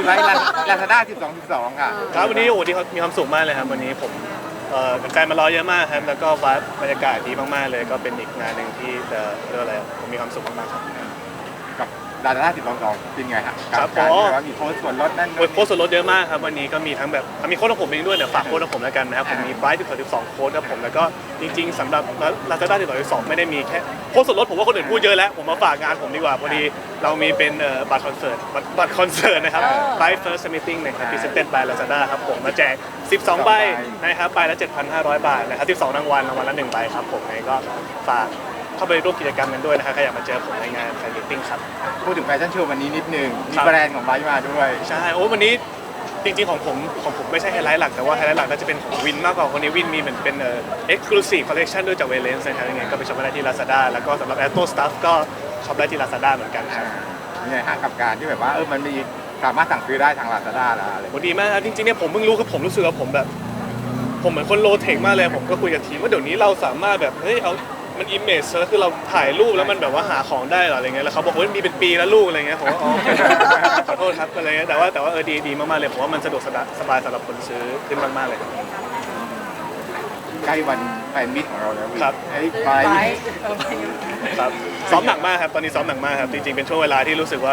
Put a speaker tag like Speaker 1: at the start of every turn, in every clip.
Speaker 1: ไลฟ์ลาซาด้า12.12ค่ะ
Speaker 2: ครับวันนี้โอ้ที่เขามีความสุขมากเลยครับวันนี้ผมแฟนๆมารอเยอะมากครับแล้วก็บรรยากาศดีมากๆเลยก็เป็นอีกงานหนึ่งที่เรียกว่าอะไรผมมีความสุขมากๆครับ
Speaker 1: กับลาซาด้า12.12เป็นไงฮะ
Speaker 2: ครับ
Speaker 1: การว่ามีโค้ดส่วนลดนั่น
Speaker 2: โค้ดส่วนลดเยอะมากครับวันนี้ก็มีทั้งแบบมีโค้ดของผมเองด้วยเดี๋ยวฝากโค้ดของผมแล้วกันนะครับผมมีไบรท์12โค้ดครับผมแล้วก็จริงๆสำหรับลาซาด้า12ไม่ได้มีแค่โค้ดส่วนลดผมว่าคนอื่นพูดเยอะแล้วผมมาฝากงานผมดีกว่าพอดีเรามีเป็นบัตรคอนเสิร์ตนะครับ Bright First Meeting นะครับ Presented by Lazada ครับผมมาแจก12ใบนะครับใบละ 7,500 บาทนะครับ12รางวัลละ1ใบครับผมก็ฝากเข้าไปร่วมกิจกรรมกันด้วยนะครับใครอยากมาเจอผมในงานแฟนมิทติ้งครับ
Speaker 1: พูดถึงแฟชั่นโชว์วันนี้นิดนึงมีแบรนด์ของไบค์มาด้วย
Speaker 2: ใช่โอ้วันนี้จริงๆของผมไม่ใช่ไฮไลท์หลักแต่ว่าไฮไลท์หลักน่าจะเป็นของวินมากกว่าคนนี้วินมีเหมือนเป็นexclusive collection ด้วยจากเวเลนส์นะครับยังไงก็ไปช็อปได้ที่ Lazada แล้วก็สำหรับ Auto Stuff ก็ช็อปได้ที่ Lazada เหมือนกันครับ
Speaker 1: นี่ไงหากับการที่แบบว่ามันมีสามารถสั่งซื้อได้ทาง Lazada แล้วอะไร
Speaker 2: ดีมากครับจริงๆเนี่ยผมเพิ่งรู้คือผมรู้สึกว่าผมเหมือนคนโลเทคมากเลยผมก็คุยกับทีมว่าเดี๋ยวนี้เราสามารถแบบเฮ้ยเอามันอิมเมจคือเราถ่ายรูปแล้วมันแบบว่าหาของได้หรออะไรเงี้ยแล้วเขาบอกว่ามีเป็นปีแล้วลูกอะไรเงี้ยผมว่าอ๋อขอโทษครับอะไรเงี้ยแต่ว่าดีมากๆเลยผมว่ามันสะดวกสบายสำหรับคนซื้อขึ้นมากๆเลย
Speaker 1: ใกล้วันแฟนมิตของเราแล้ว
Speaker 2: ครับ
Speaker 1: ไป
Speaker 2: ครับซ้อมหนักมากครับตอนนี้ซ้อมหนักมากครับจริงๆเป็นช่วงเวลาที่รู้สึกว่า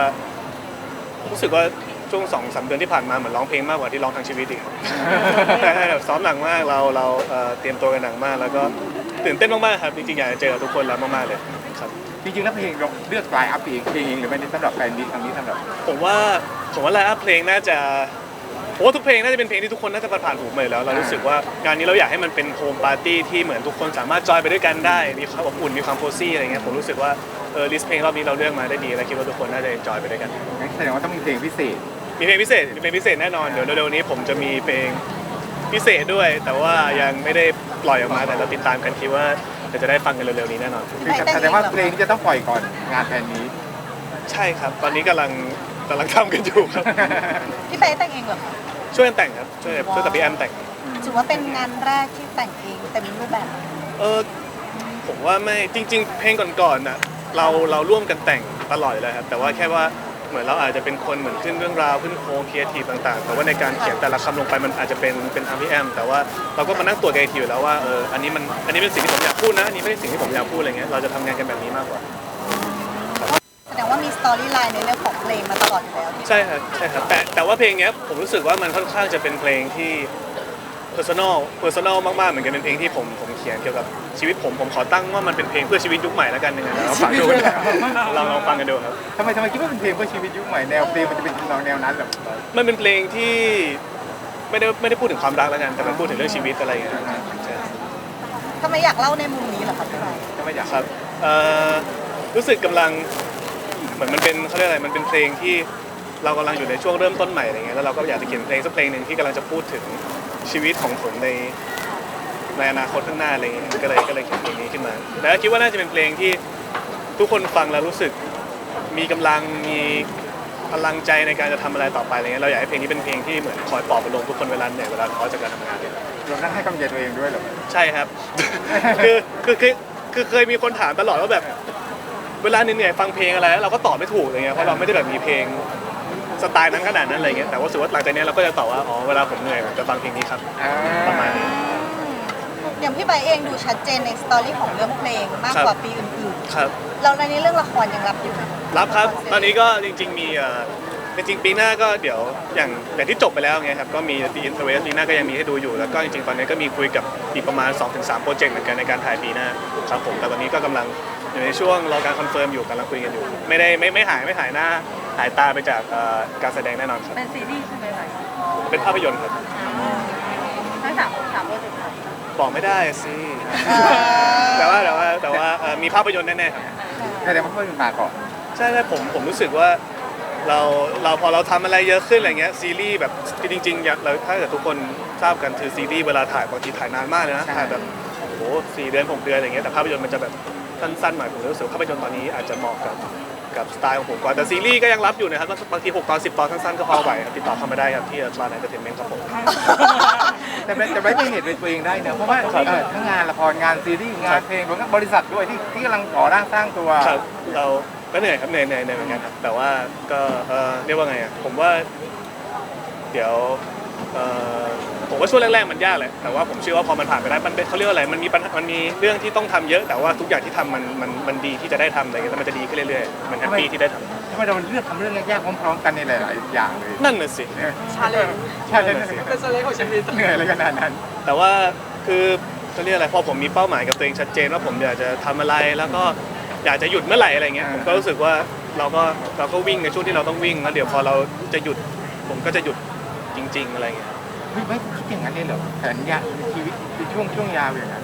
Speaker 2: ช่วง2-3 เดือนที่ผ่านมาเหมือนร้องเพลงมากกว่าที่ร้องทั้งชีวิตอีกแต่ซ้อมหนักมากเราเตรียมตัวกันหนักมากแล้วก็ตื่นเต้นมากๆครับจริงๆอยากจะเจอทุกคนแล้วมากๆเลยครับ
Speaker 1: จริงๆแล้วเพลงเราเลือกไลน์อัพเพลงเองหรือไม่ได้สำหรับแฟนมิตครั้งนี้สำหรับ
Speaker 2: ผมว่าไลน์อัพเพลงน่าจะทุกเพลงน่าจะเป็นเพลงที่ทุกคนน่าจะผ่านหูมาแล้วเรารู้สึกว่างานนี้เราอยากให้มันเป็นโฮมปาร์ตี้ที่เหมือนทุกคนสามารถจอยไปด้วยกันได้มีความอบอุ่นมีความโคซี่อะไรเงี้ยผมรู้สึกว่าลิสต์เพลงรอบนี้เราเลือกมาได้ดีและคิดว่าทุกคนน่าจะจอยไปด้วยกัน
Speaker 1: งั้นแสดงว่าต้องมีเพลงพิเศษ
Speaker 2: มีเพลงพิเศษแน่นอนเดี๋ยวเร็วๆนี้ผมจะมีเพลงพิเศษด้วยแต่ว่ายังไม่ได้ปล่อยออกมาแต่เราติดตามกันคิดว่าจะได้ฟังกันเร็วๆนี้แน่นอน
Speaker 1: แสดงว่าเพลงนี้จะต้องปล่อยก่อนงานแฟนนี้
Speaker 2: ใช่ครับตอนนี้กำลังทำกันอยู่ครับ
Speaker 3: พี่เป๊แต่งเองเหรอคะ
Speaker 2: ช่วยกันแต่งครับช่วยกับพี่แอมแต่ง
Speaker 3: ถือว่าเป็นงานแรกที่แต่งเองเต็มรูปแบบ
Speaker 2: ผมว่าไม่จริงๆเพลงก่อนๆน่ะเราร่วมกันแต่งตลอดเลยครับแต่ว่าแค่ว่าเหมือนเราอาจจะเป็นคนเหมือนขึ้นเรื่องราวขึ้นโครงครีเอทีฟต่างๆแต่ว่าในการเขียนแต่ละคำลงไปมันอาจจะเป็นทางพี่แอมแต่ว่าเราก็มานั่งตรวจกันอีกทีอยู่แล้วว่าอันนี้เป็นสิ่งที่ผมอยากพูดนะอันนี้ไม่ใช่สิ่งที่ผมอยากพูดอะไรเงี้ยเราจะทำงานกันแบบนี้มากกว่า
Speaker 3: แสดงว่ามีสตอรี่ไลน์ในเรื่องของเพลงมาตลอดอยู่แล้ว
Speaker 2: ใช่ครับแต่ว่าเพลงเนี้ยผมรู้สึกว่ามันค่อนข้างจะเป็นเพลงที่personal มากๆเหมือนกันเป็นเพลงที่ผมเขียนเกี่ยวกับชีวิตผมขอตั้งว่ามันเป็นเพลงเพื่อชีวิตยุคใหม่แล้วกันยังไงเราฟังดูลองฟังกันดูครับ
Speaker 1: ทำไมคิดว่าเป็นเพลงเพื่อชีวิตยุคใหม่แนวเพลงมันจะเป็นแนวนั้นแบบ
Speaker 2: มันเป็นเพลงที่ไม่ได้พูดถึงความรักแล้วกันแต่มันพูดถึงเรื่องชีวิตอะไรอย่างเงี้ย
Speaker 3: ทำไมอยากเล่าในมุมนี้เหรอครับพี่ใบ
Speaker 1: ทำไมอยาก
Speaker 2: ครับรู้สึกกำลังเหมือนมันเป็นเขาเรียกอะไรมันเป็นเพลงที่เรากำลังอยู่ในช่วงเริ่มต้นใหม่อะไรเงี้ยแล้วเราก็อยากจะเขียนเพลงสักเพลงหนึ่งที่กำลังจะพูดถึงชีวิตของผมในอนาคตข้างหน้าอะไรเงี้ยก็เลยเขียนเพลงนี้ขึ้นมาแต่คิดว่าน่าจะเป็นเพลงที่ทุกคนฟังแล้วรู้สึกมีกำลังมีพลังใจในการจะทำอะไรต่อไปอะไรเงี้ยเราอยากให้เพลงนี้เป็นเพลงที่เหมือนคอยปลอบประโลมทุกคนเวลาเหนื่อยเวลาท้อจากการทำงาน
Speaker 1: เราต้องให้กำลังใจตัวเองด้วยเหรอ
Speaker 2: ใช่ครับ คือเคยมีคนถามตลอดว่าแบบเวลาเหนื่อยฟังเพลงอะไรเราก็ตอบไม่ถูกอะไรเงี้ยเพราะเราไม่ได้แบบมีเพลงสไตล์นั้นขนาดนั้นอะไรเงี้ยแต่ว่าสุดว่าหลังจากนี้เราก็จะตอบว่าอ๋อเวลาผมเหนื่อยผมจะฟังเพลงนี้ครับประมาณนี้
Speaker 3: อย่างพี่ใบเองดูชัดเจนในสตอรี่ของเรื่องเพลงมากกว่าปีอื่น
Speaker 2: ๆครับ
Speaker 3: เราในนี้เรื่องละครยังรับอยู่ไหม
Speaker 2: รับครับตอนนี้ก็จริงๆมีจริงปีหน้าก็เดี๋ยวอย่างที่จบไปแล้วไงครับก็มี The Interest ปีหน้าก็ยังมีให้ดูอยู่แล้วก็จริงๆตอนนี้ก็มีคุยกับอีกประมาณ 2-3 โปรเจกต์เหมือนกันในการถ่ายปีหน้าครับผมแต่ตอนนี้ก็กำลังอยู่ในช่วงรอการคอนเฟิร์มอยู่กำลังคุยกันอยู่ไม่หายหน้าหายตาไปจากการแสดงแน่นอนครับ
Speaker 3: เป็นซีรีส์ใช่ไหมคะ
Speaker 2: เป็นภาพยนตร์ครับ
Speaker 3: ทั้งสามโปรเจกต์
Speaker 2: บอกไม่ได้สิแต่ว่ามีภาพยนตร์แน่ๆครับ
Speaker 1: แสดงว่าเพิ่งมาก่อน
Speaker 2: ใช่ผมรู้สึกว่าเราพอเราทำอะไรเยอะขึ้นอะไรเงี้ยซีรีส์แบบจริงๆเราถ้าเกิดทุกคนทราบกันคือซีรีส์เวลาถ่ายบางทีถ่ายนานมากเลยนะถ่ายแบบโอ้4 เดือน6 เดือนอะไรเงี้ยแต่ภาพยนตร์มันจะแบบสั้นๆหน่อยผมรู้สึกภาพยนตร์ตอนนี้อาจจะเหมาะกับสไตล์ของผมกว่าแต่ซีรีส์ก็ยังรับอยู่นะครับบางที6 ตอน 10 ตอนสั้นๆก็พอไหวครับติดต่อเข้ามาได้ครับที่Atlas Entertainment ครับผม
Speaker 1: แต่ไม่เห็นเป็นตัวเองได้เนอะเพราะว่าทั้งงานละครงานซีรีส์งานเพลงรวมทั้งบริษัทด้วยที่กำลังก่อร่างสร้างตัว
Speaker 2: เราก็เหนื่อยครับเหนื่อยเหมือนกันครับแต่ว่าก็เรียกว่าไงอ่ะผมว่าเดี๋ยวผมว่าช่วงแรกๆมันยากแหละแต่ว่าผมเชื่อว่าพอมันผ่านไปได้มันเขาเรียกว่าอะไรมันมีปัญหามันมีเรื่องที่ต้องทำเยอะแต่ว่าทุกอย่างที่ทำมันดีที่จะได้ทำอะไรเงี้ยแล้วมันจะดีขึ้นเรื่อยๆมันแฮปปี้ที่ได้ทำ
Speaker 1: ทำไมเราเลือกทำเรื่องยากๆพร้อมๆกันในหลายๆอย่างเลย
Speaker 2: นั่นน่ะสิ
Speaker 3: ชาเลนจ์
Speaker 1: ใช่เลย
Speaker 3: เป็นชาเลนจ์ของชีวิต
Speaker 1: เหนื่อยอะไรขนาดนั้น
Speaker 2: แต่ว่าคือเขาเรียกอะไรพอผมมีเป้าหมายกับตัวเองชัดเจนว่าผมอยากจะทำอะไรแล้วก็อยากจะหยุดเมื่อไหร่อะไรเงี้ยผมก็รู้สึกว่าเราก็วิ่งในช่วงที่เราต้องวิ่งแล้วเดี๋ยวพอเราจะหยุดผมก็จะหยุดจริง ๆอะไรเงี้ย
Speaker 1: ไม่คิดอย่างนั้นเลยเหรอแผนยาวชีวิตเป็นช่วงยาวอย่างนั้น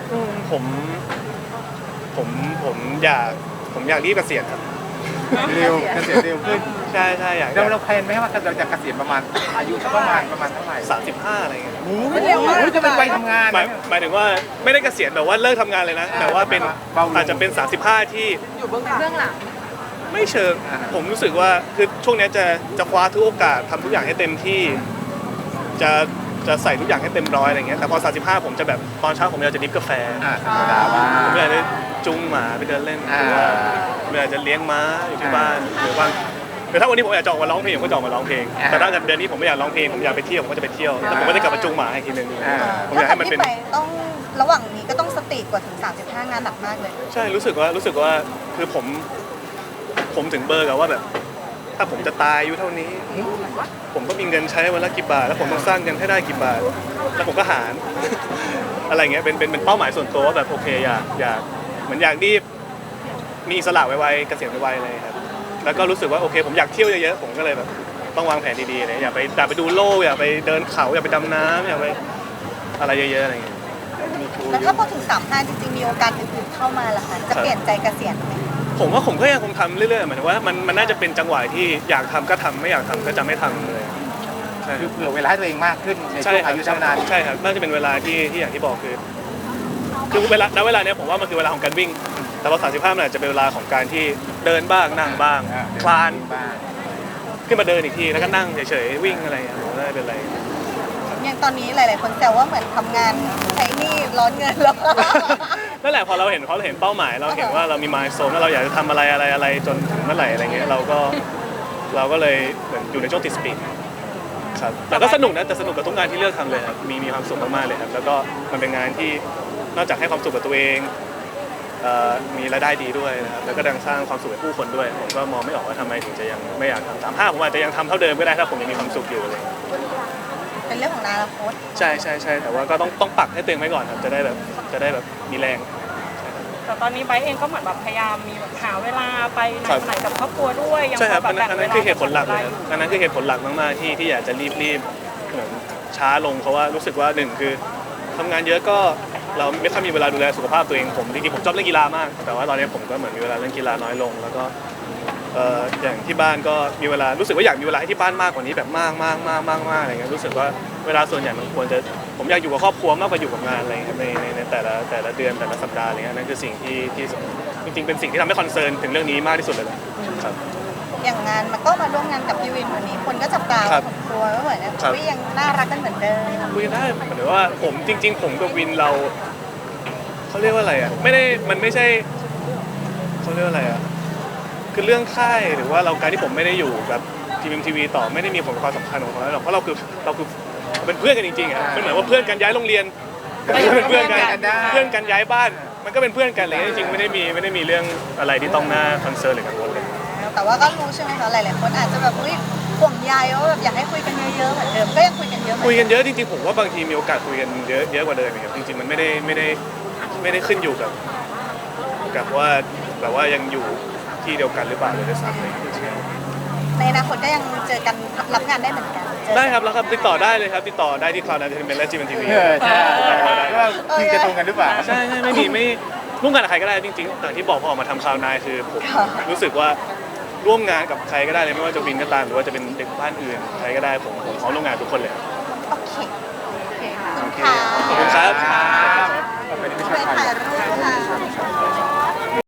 Speaker 2: ผมอยากรีบเกษียณครับ
Speaker 1: เร็วเกษียณเร็วขึ้น
Speaker 2: ใช่อยาก
Speaker 1: เราแพลนไหมว่าเราจะเกษียณประมาณอายุประมาณเท่าไหร่
Speaker 2: 35อะไรเงี้ย
Speaker 1: โอ้โหจะเป็นวัยทำงาน
Speaker 2: หมายถึงว่าไม่ได้เกษียณแบบว่าเลิกทำงานเลยนะแต่ว่าเป็นอาจจะเป็น35ที่
Speaker 3: อยู่เบื้องหลัง
Speaker 2: ไม่เชิงผมรู้สึกว่าคือช่วงนี้จะคว้าทุกโอกาสทำทุกอย่างให้เต็มที่จะใส่ทุกอย่างให้เต็มร้อยอะไรเงี้ยแต่พอ35ผมจะแบบตอนเช้าผมอยากจะดริฟกาแฟ
Speaker 1: ธรรมดาว่า
Speaker 2: ผมอยากจะจูงหมาไปเดินเล่นหรือว่าผมอยากจะเลี้ยงม้าอยู่ที่บ้านหรือว่าแต่ถ้าวันนี้ผมอยากจะออกมาร้องเพลงผมก็จะออกมาร้องเพลงแต่ถ้าเดือนนี้ผมไม่อยากร้องเพลงผมอยากไปเที่ยวผมก็จะไปเที่ยวแต่ผมก็จะกลับมาจูงหมาอีกทีนึงผมอยากให้มันเป็น
Speaker 3: พี่ไปต้องระหว่างนี้ก็ต้องสติกว่าถึง35งานหนักมากเลย
Speaker 2: ใช่รู้สึกว่าคือผมถึงเบอร์กับว่าแบบถ้าผมจะตายอายุเท่านี้ ผมก็มีเงินใช้วันละกี่บาทแล้วผมต้องสร้างเงินให้ได้กี่บาทแล้วผมก็หาร อะไรเงี้ยเป็นเป้าหมายส่วนตัวว่าแบบโอเคอยากเหมือนอยากรีบมีอิสระไวๆเกษียณไวๆอะไรครับแล้วก็รู้สึกว่าโอเคผมอยากเที่ยวเยอะๆผมก็เลยแบบต้องวางแผนดีๆเลยอยากไปดูโลกอยากไปเดินเขาอยากไปดำน้ำอยากไปอะไรเยอะๆอะไรเงี้ย
Speaker 3: แล้วถ้าพอถึง35จริงๆมีโอกาสอื่นๆเข้ามาล่ะคะจะเปลี่ยนใจเกษียณไหม
Speaker 2: ผมว่าผมก็ยังคงทำเรื่อยๆหมายถึงว่ามันน่าจะเป็นจังหวะที่อยากทำก็ทำไม่อยากทำก็จะไม่ทำเลยใช่
Speaker 1: คือเผื่อเวลาให้ตัวเองมากขึ้นใน
Speaker 2: ใช่
Speaker 1: ช่วง
Speaker 2: ครับ
Speaker 1: อายุเท่านั้น
Speaker 2: ใช่ครับน่าจะเป็นเวลาที่อย่างที่บอกคือเวลาเนี้ยผมว่ามันคือเวลาของการวิ่ง แต่พอ35มันอาจจะเป็นเวลาของการที่เดินบ้างนั่งบ้างคลาน
Speaker 1: บ้าง
Speaker 2: ขึ้นมาเดินอีกทีแล้วก็นั่งเฉยๆวิ่งอะไรอย่างเงี้ยผมว่าไม่เป็นไร
Speaker 3: อย่างตอนนี้หลายๆคนแซวว่าเหมือนทำงานใช้หนี้ร้อนเงินแล้ว
Speaker 2: นั่นแหละพอเราเห็นเป้าหมายเราเห็นว่าเรามีมายโซนแล้วเราอยากจะทำอะไรจนถึงเมื่อไหร่อะไรเงี้ยเราก็เลยเหมือนอยู่ในช่วงติดสปีดครับแต่ก็สนุกนะแต่สนุกกับทุกงานที่เลือกทำเลยครับมีความสุขมากๆเลยครับแล้วก็มันเป็นงานที่นอกจากให้ความสุขกับตัวเองมีรายได้ดีด้วยนะครับแล้วก็ดังสร้างความสุขให้ผู้คนด้วยผมก็มองไม่ออกว่าทำไมถึงจะยังไม่อยากทำ35ผมอาจจะยังทำเท่าเดิมก็ได้ถ้าผมยังมีความสุขอยู่เลย
Speaker 3: เป็นเรื่องของอนาคต
Speaker 2: ใช่แต่ว่าก็ต้องปักให้ตัวเองไว้ก่อนครับจะได้แบบมีแรง
Speaker 4: แต่ตอนนี้ไบร์ทเองก็เหมือนแบบพยายามมีแบบหาเวลาไปไหน
Speaker 2: ครับ
Speaker 4: มาไหนกับครอบครัวด้วยยัง
Speaker 2: ใช่ครับ
Speaker 4: พอ
Speaker 2: อัน
Speaker 4: แบ่ง
Speaker 2: นั้น
Speaker 4: เวลา
Speaker 2: คือเหตุผลหลักเลยครับอันนั้นคือเหตุผลหลักมากๆที่อยากจะรีบเหมือนช้าลงเพราะว่ารู้สึกว่าหนึ่งคือทำงานเยอะก็เราไม่ค่อยมีเวลาดูแลสุขภาพตัวเองผมจริงๆผมชอบเล่นกีฬามากแต่ว่าตอนนี้ผมก็เหมือนมีเวลาเล่นกีฬาน้อยลงแล้วก็อย่างที่บ้านก็มีเวลารู้สึกว่าอยากมีเวลาให้ที่บ้านมากกว่านี้แบบมากอะไรเงี้ยรู้สึกว่าเวลาส่วนใหญ่มันควรจะผมอยากอยู่กับครอบครัวมากกว่าอยู่กับงานอะไรเงี้ยในแต่ละเดือนแต่ละสัปดาห์อะไรเงี้ยนั่นคือสิ่งที่จริงๆเป็นสิ่งที่ทำให้คอนเซิร์นถึงเรื่องนี้มากที่สุดเลยครับ
Speaker 3: อย่างงานมันก็มาร่วมงานกับพี่วินวันนี้คนก็จับตา
Speaker 2: ครับ
Speaker 3: ผมกลัวว่าเหมือน
Speaker 2: ครับ
Speaker 3: วิยังน่ารักกันเหมือนเดิม
Speaker 2: คุยได้หมายถึงว่าผมจริง ๆ ผมกับวินเราเขาเรียกว่าอะไรอ่ะมันไม่ใช่เขาเรียกว่าอะไรอ่ะคือเรื่องค่ายหรือว่าการที่ผมไม่ได้อยู่กับทีวีต่อไม่ได้มีผลความสำคัญของเราหรอกเพราะเราคือเป็นเพื่อนกันจริงๆอ่ะมันเหมือนว่าเพื่อนกันย้ายโรงเรียนก็เป็นเพื่อนกันเพื่อนกันย้ายบ้านมันก็เป็นเพื่อนกันเลยจริงๆไม่ได้มีเรื่องอะไรที่ต้องน่าคอนเซิร์นหรือกังวลเลย
Speaker 3: แต่ว่าก็รู้ใช่ไหมคะหลายๆคนอาจจะแบบห่วงใยว่าแบบอยากให้คุยกันเยอะๆเหมือนเดิมก็ยังคุยกันเยอะเหมือน
Speaker 2: คุย
Speaker 3: เดิม
Speaker 2: กันเยอะจริงๆผมว่าบางทีมีโอกาสคุยกันเยอะกว่าเดิมครับจริงๆมันไม่ได้ขึ้นอยู่กับว่าแบบว่ายังอยู่ที่เดียวกันหรือเปล่าเลยซ้ำเลย
Speaker 3: ในอนาคตก็ยังเจอกันรับงานได้เหมือนกันเจอกัน
Speaker 2: ได้ครับแล้วครับติดต่อได้เลยครับติดต่อได้ที่ Cloud Entertainment และ GMMTV
Speaker 1: ใช่ว่าคิวจะตรงกันหรือเปล่า
Speaker 2: ใช่ไม่ร่วมงานกับใครก็ได้จริงๆอย่างที่บอกพอออกมาทำ Cloud 9คือผมรู้สึกว่าร่วมงานกับใครก็ได้เลยไม่ว่าจะวินก็ตามหรือว่าจะเป็นเด็กบ้านอื่นใครก็ได้ผมพร้อมร่วมงานทุกคนเลย
Speaker 3: โอเคขอบคุณค่ะ
Speaker 2: ขอบคุณครับ
Speaker 1: ไปที่
Speaker 3: ไป
Speaker 1: ชา
Speaker 3: ถ่าย
Speaker 1: ย
Speaker 3: รูปค่ะ